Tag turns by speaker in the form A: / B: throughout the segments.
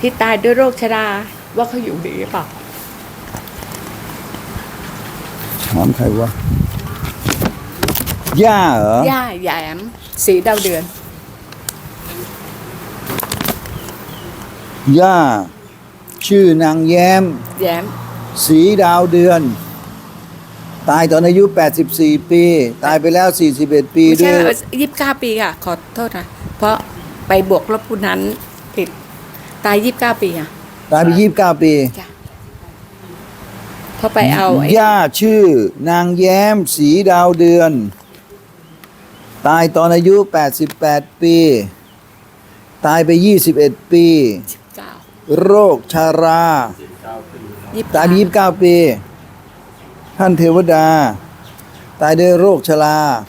A: ที่ตายด้วยโรคชราว่าเขาอยู่ดีหรือเปล่า
B: ถามใครวะย่าเหรอย่
A: าแหยมสีดาวเดือน
B: ย่าชื่อนางแย้ม
A: แย้ม
B: สีดาวเดือน ตายตอนอายุ 84 ปี ตายไปแล้ว 41 ปี
A: ไม่
B: ด้
A: ใช่
B: วย
A: 29 ปีค่ะ ขอโทษนะเพราะไปบวกลบคูณนั้นผิดตาย29 ปีค่ะ
B: ตายไป 29 ปี
A: จ้ะเพราะไปเอาไอ้
B: ย่าชื่อนางแย้มสีดาวเดือน ตายตอนอายุ 88 ปี ตายไป 21 ปี
A: 19
B: โรคชารา ตายไป 29 ปี ท่านเทวดา ตายด้วยโรคชรา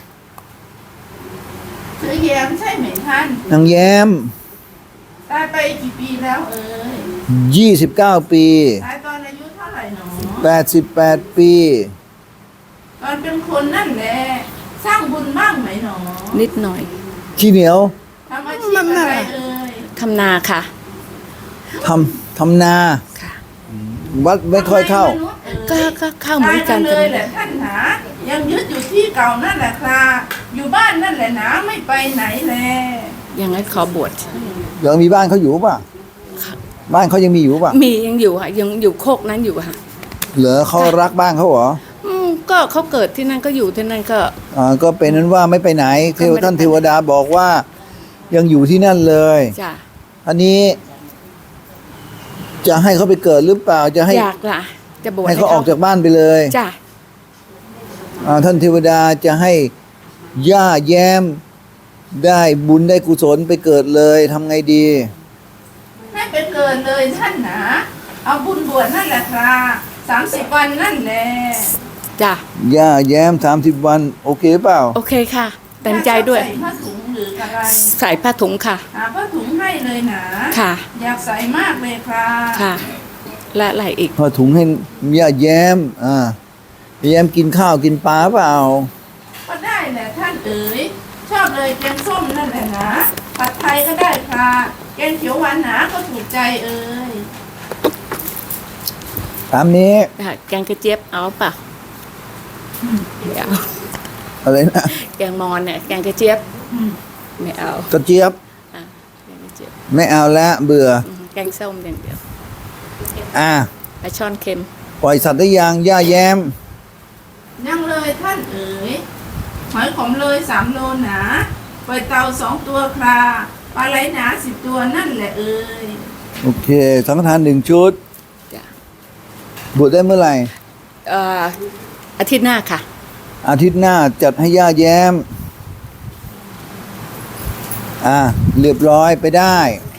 C: ชื่อแย้มใช่ไหมท่าน
B: นางแย้ม
C: ตายไปกี่ปีแล้วเอ่ย
B: 29 ปี
C: ตายตอนอายุเท่าไหร่หนอ
B: 88 ปี
C: ตอนเป็นคนนั่นแหละสร้างบุญบ้างไหมหนอ
A: นิดหน่อย
B: ขี้เหนียว
C: ทำอาชีพอะไรเอ่ย
A: ทำนาค่ะ
B: ทำนา
A: ค่ะ
B: วัดไม่ค่อยเข้า
C: ทำไมมนุษย์เอ่ย
A: ก็เข้าเหมือนกัน
C: ตายเลยแหละท่านหนายังยึดอยู่ที่เก่านั่นแหละครับอยู่บ้านนั่นแหละหนาไม่ไปไหนแล
A: อย่างนั้นขอบวช
B: ยังมีบ้านเขาอยู่ป่ะ บ้านเขายังมีอยู่ป่ะ
A: มียังอยู่ค่ะยังอยู่โคกนั้นอยู่ค่ะ
B: เหรอเขารักบ้านเขาเหรอ
A: ก็เขาเกิดที่นั่นก็อยู่ที่นั่นก็
B: ก็เป็นนั้นว่าไม่ไปไหนเทวท่านเทวดาบอกว่า ยังอยู่ที่นั่นเลย
A: จ้ะ
B: อันนี้ จะให้เขาไปเกิดหรือเปล่าจะให้
A: อยากล่ะ จะบวช
B: ให้เขาออกจากบ้านไปเลย
A: จ้ะ
B: ท่านเทวดาจะให้ย่าแย้ม ได้บุญได้กุศลไปเกิดเลยทำไงดี
C: ให้ไปเกินเลยท่านหนาเอาบุญบวชนั่นแหละครับ30 วันนั่นแหละ
A: จ้ะ
B: ย่าแย้ม30 วัน โอเคเปล่า
A: โอเคค่ะเต็มใจด้วย
C: ใส่ผ้าถุงหรืออะไร
A: ใส่ผ้าถุงค่ะ
C: หาผ้าถุงให้เลยนะ
A: ค่ะ
C: อยากใส่มากเลยครับ
A: ค่ะ และอะไรอีก
B: พอถุงให้ย่าแย้มแย้มกินข้าวกินปลาเปล่า
C: ก็ได้แหละท่านเอ๋ยชอบเลยแกงส้มนั่นแหละนะผัดไทยก็ได้ครับแกงเขียวหวานหนาก็ถูกใจเอ๋ย
B: ตามนี้
A: แกงกระเจี๊ยบเอาเปล่าไม่เอา
B: อะไรนะ
A: แกงมอนเนี่ยแกงกระเจี๊ยบไม่เอา
B: กระเจี๊ยบ
A: อ่ะแกงกระเจี๊ยบ
B: ไม่เอาละเบื่อ
A: แกงส้มอย่างเดียว
B: อ่ะ
A: ปลาช่อนเค็ม
B: ปล่อยสัตว์ได้ยังย่าแย้ม
C: ยังเลยท่านเอ๋ยหอยขมเลย3 โลหนาปล่อยเต่า2 ตัวคราปลาไหลหนา10 ตัวนั่นแหละเอ๋ย
B: โอเค สังฆทาน1 ชุด
A: จ้ะ
B: บวชได้เมื่อไหร่
A: อาทิตย์หน้าค่ะ
B: อาทิตย์หน้าจัดให้ย่าแย้ม เรียบร้อยไปได้